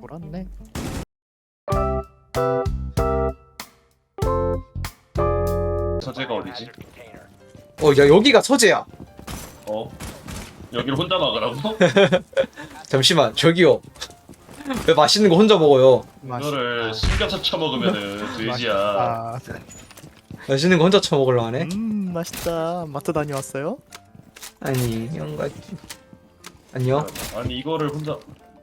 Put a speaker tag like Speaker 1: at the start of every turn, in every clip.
Speaker 1: 돌았네.
Speaker 2: 서재가 어디지?
Speaker 3: 야 여기가 서재야.
Speaker 2: 어? 여기를 혼자 막으라고?
Speaker 3: 잠시만 저기요. 왜 맛있는 거 혼자 먹어요?
Speaker 2: 이거를 숨겨서 쳐먹으면은 돼지야.
Speaker 1: 아,
Speaker 3: 맛있는 거 혼자 처먹으려 하네?
Speaker 1: 맛있다. 마트 다녀왔어요?
Speaker 3: 아니 영가 안녕.
Speaker 2: 아니 이거를 혼자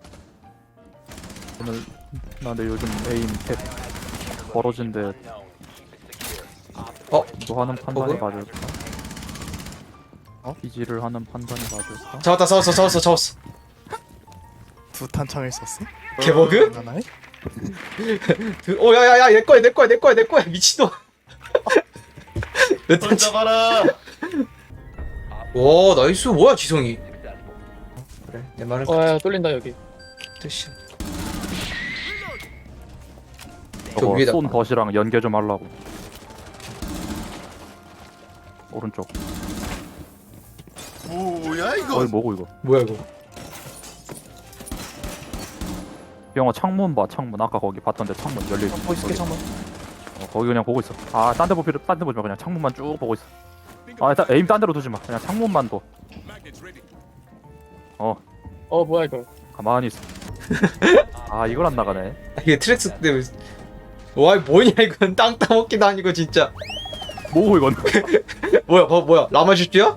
Speaker 4: 오늘 나근데 요즘 에임 탭 벌어진데 이거 하는 판단이
Speaker 3: 버그?
Speaker 4: 맞을까?
Speaker 1: 어?
Speaker 4: 비지를 하는 판단이 맞을까?
Speaker 3: 잡았다 잡았어.
Speaker 1: 두 탄창을 썼어?
Speaker 3: 개버그?
Speaker 1: 하나에?
Speaker 3: 야야야 내 거야 미친놈. 몇
Speaker 2: 혼자
Speaker 3: 탄치?
Speaker 2: 가라.
Speaker 3: 와 나이스 뭐야 지성이. 그래 내 말은
Speaker 5: 야 뚫린다 여기.
Speaker 3: 뜻이야.
Speaker 4: 저거
Speaker 3: 위에다.
Speaker 4: 쏜 덫이랑 연계 좀 하려고. 오른쪽.
Speaker 1: 뭐야 이거?
Speaker 4: 어이 뭐고 이거?
Speaker 3: 뭐야 이거?
Speaker 4: 영화 창문 봐 창문. 아까 거기 봤던데 창문 열려 있어.
Speaker 5: 보고 있을게 잠깐.
Speaker 4: 거기 그냥 보고 있어. 딴 데 보지 마. 그냥 창문만 쭉 보고 있어. 일단 에임 딴 데로 두지 마. 그냥 창문만 둬.
Speaker 5: 뭐야 이거.
Speaker 4: 가만히 있어. 이걸 안 나가네.
Speaker 3: 이게 트랙스 때문에. 와 뭐냐 이건 땅 따먹기도 아니고 진짜.
Speaker 4: 뭐고 이건?
Speaker 3: 뭐야 라마주스야?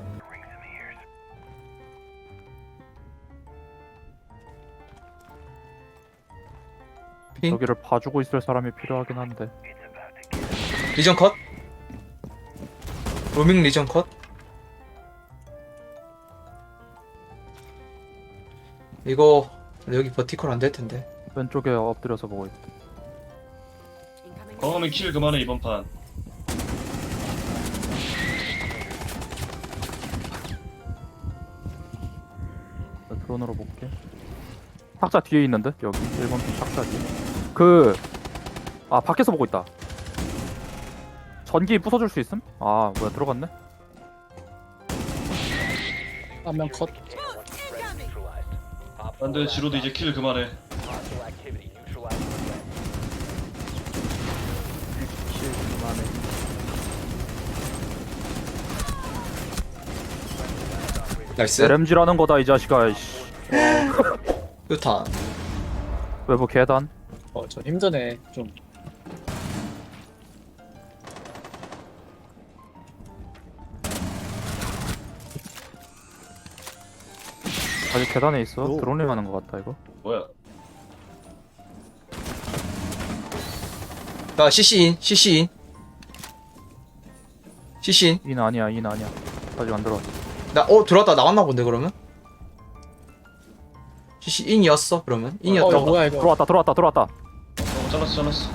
Speaker 3: 핑?
Speaker 4: 여기를 봐주고 있을 사람이 필요하긴 한데.
Speaker 3: 리전 컷? 로밍 리전 컷? 이거 여기 버티컬 안 될 텐데.
Speaker 4: 왼쪽에 엎드려서 보고 있다.
Speaker 2: 광어면 킬 그만해 이번 판.
Speaker 4: 나 드론으로 볼게. 탁자 뒤에 있는데? 여기 1번 핀 탁자 뒤에. 밖에서 보고 있다. 전기 부숴줄 수 있음? 뭐야 들어갔네?
Speaker 5: 한 명 컷.
Speaker 2: 안돼 지로도 이제 킬 그만해.
Speaker 1: 그만해.
Speaker 3: 나이스.
Speaker 4: LMG라는 거다 이 자식아. 이씨.
Speaker 3: 유탄.
Speaker 4: 외부 계단.
Speaker 5: 저 힘드네 좀.
Speaker 4: 아직 계단에 있어.
Speaker 1: 오.
Speaker 4: 드론링 하는 거 같다 이거.
Speaker 2: 뭐야?
Speaker 3: 야 CC인.
Speaker 4: 인 아니야. 아직 안 들어왔어.
Speaker 3: 들어왔다 나왔나 본데 그러면? CC인이었어 그러면?
Speaker 5: 이거
Speaker 3: 인이었다고.
Speaker 5: 뭐야 이거.
Speaker 4: 들어왔다.
Speaker 2: 잘랐어.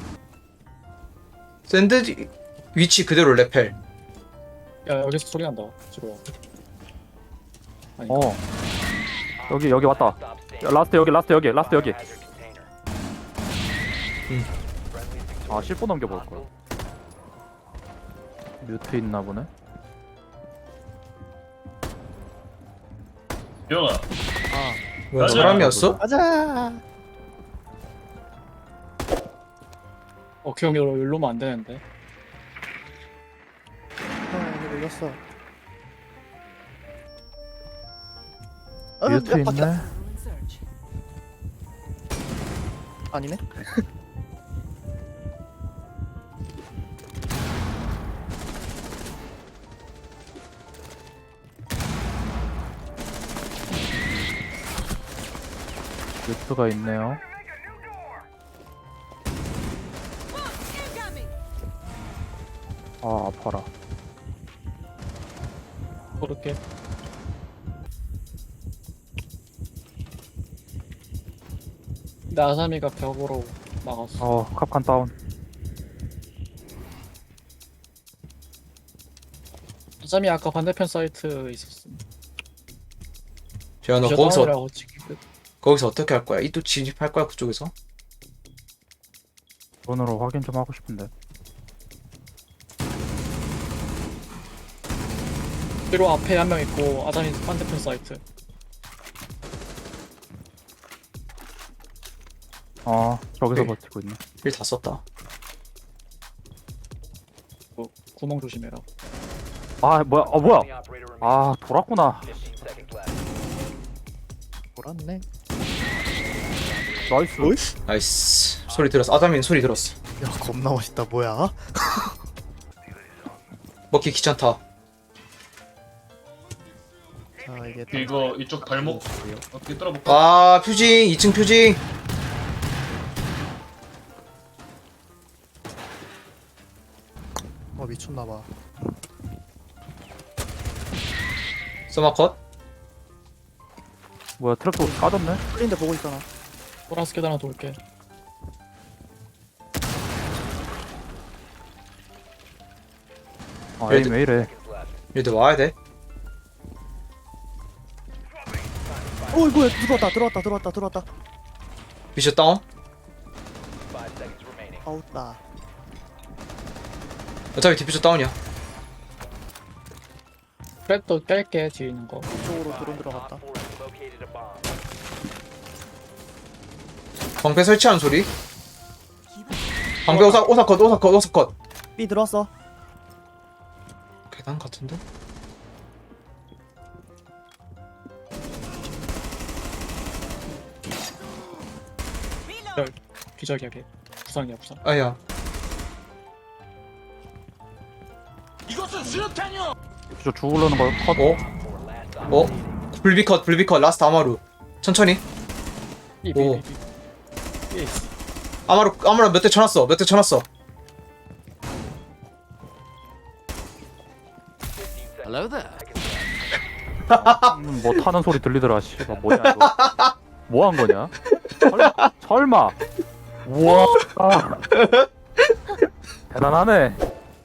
Speaker 3: 샌드 위치 그대로 레펠.
Speaker 5: 야 여기서 소리 난다. 지금. 아니.
Speaker 4: 여기 왔다. 야, 라스트 여기. 실버 넘겨볼 거야. 뮤트 있나 보네.
Speaker 2: 병아.
Speaker 3: 뭐야
Speaker 2: 맞아.
Speaker 3: 사람이었어?
Speaker 1: 가자.
Speaker 5: 기억력으로 일로면 안 되는데.
Speaker 1: 이거 걸렸어.
Speaker 4: 뮤트
Speaker 1: 야,
Speaker 4: 있네.
Speaker 1: 아니네.
Speaker 4: 뮤트가 있네요. 아파라.
Speaker 5: 그렇게. 근데 아사미가 벽으로 막았어.
Speaker 4: 캅칸 다운.
Speaker 5: 아사미 아까 반대편 사이트 있었어.
Speaker 3: 재현아 너 거기서 어떻게 할 거야? 이 또 진입할 거야 그쪽에서?
Speaker 4: 드론으로 확인 좀 하고 싶은데.
Speaker 5: 뒤로 앞에 한 명 있고 아사미 반대편 사이트.
Speaker 4: 저기서
Speaker 3: 네.
Speaker 4: 버티고 있네.
Speaker 3: 힐 다 썼다.
Speaker 5: 구멍 조심해라.
Speaker 4: 아 뭐야 뭐야. 아 돌았구나.
Speaker 1: 돌았네.
Speaker 4: 나이스.
Speaker 3: 나이스. 소리 들었어. 아자민 소리 들었어.
Speaker 1: 야 겁나 멋있다. 뭐야?
Speaker 3: 먹기 귀찮다.
Speaker 1: 자 이게
Speaker 2: 이거 이쪽 발목 어떻게 뚫어볼까?
Speaker 3: 아 퓨징 2층 퓨징.
Speaker 1: 미쳤나봐.
Speaker 3: 서마컷.
Speaker 4: 뭐야 트랩도 까졌네.
Speaker 1: 풀린데 보고 있잖아.
Speaker 5: 보라스 계단 하나 돌게.
Speaker 4: 아 에임 왜 이래.
Speaker 3: 얘들 와야 돼.
Speaker 1: 어이 뭐야 들어왔다.
Speaker 3: 비셔 다운.
Speaker 1: 아웃다.
Speaker 3: 어차피 디퓨저 다운이야.
Speaker 5: 트랩도 깰게 뒤에 있는 거.
Speaker 1: 이쪽으로 드론 들어갔다.
Speaker 3: 방패 설치하는 소리. 방패 오사컷.
Speaker 1: B 들어왔어.
Speaker 3: 계단 같은데?
Speaker 5: 기절이야 걔. 부상이야 부상.
Speaker 3: 아야.
Speaker 4: 저 죽으려는 거 컷.
Speaker 3: 불비컷 라스트 아마루. 천천히. 오. 아마루 몇 대 쳐놨어.
Speaker 4: 뭐 타는 소리 들리더라. 씨발 뭐냐 이거. 뭐 한 거냐? 설마. 우와. 아. 대단하네.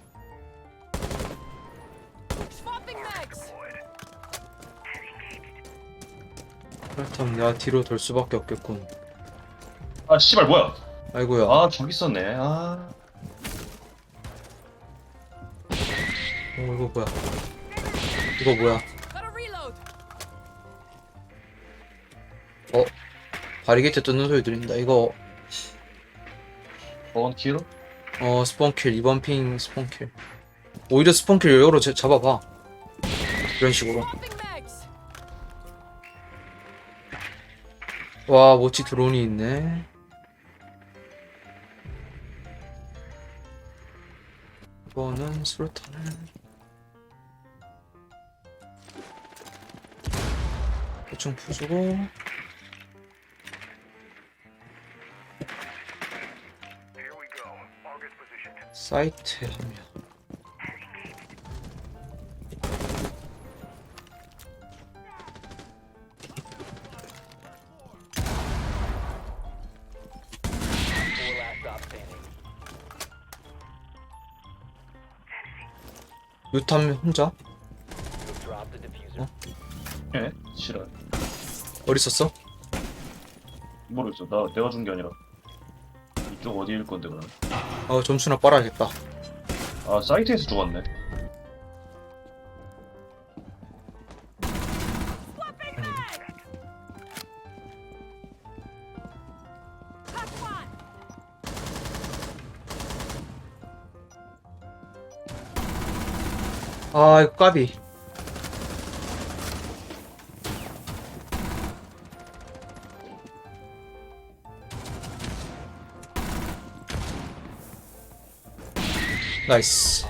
Speaker 3: 그렇다면 내가 뒤로 돌 수밖에 없겠군.
Speaker 2: 아 씨발 뭐야?
Speaker 3: 아이고야.
Speaker 2: 아 저기 있었네. 아
Speaker 3: 이거 뭐야? 바리게이트 뜯는 소리 들린다. 이거
Speaker 2: 원킬?
Speaker 3: 스폰킬 2번 핑 스폰킬. 오히려 스폰킬 여유로 잡아봐. 이런 식으로. 와 모치 드론이 있네. 이거는 수류탄을 대충 부수고. 사이트에 하면 유탐 혼자?
Speaker 2: 예? 싫어.
Speaker 3: 어디 있었어?
Speaker 2: 모르겠어. 내가 준 게 아니라 이쪽 어디일 건데 그럼?
Speaker 3: 점수나 빨아야겠다.
Speaker 2: 아 사이트에서 죽었네.
Speaker 3: 이거 까비. 나이스.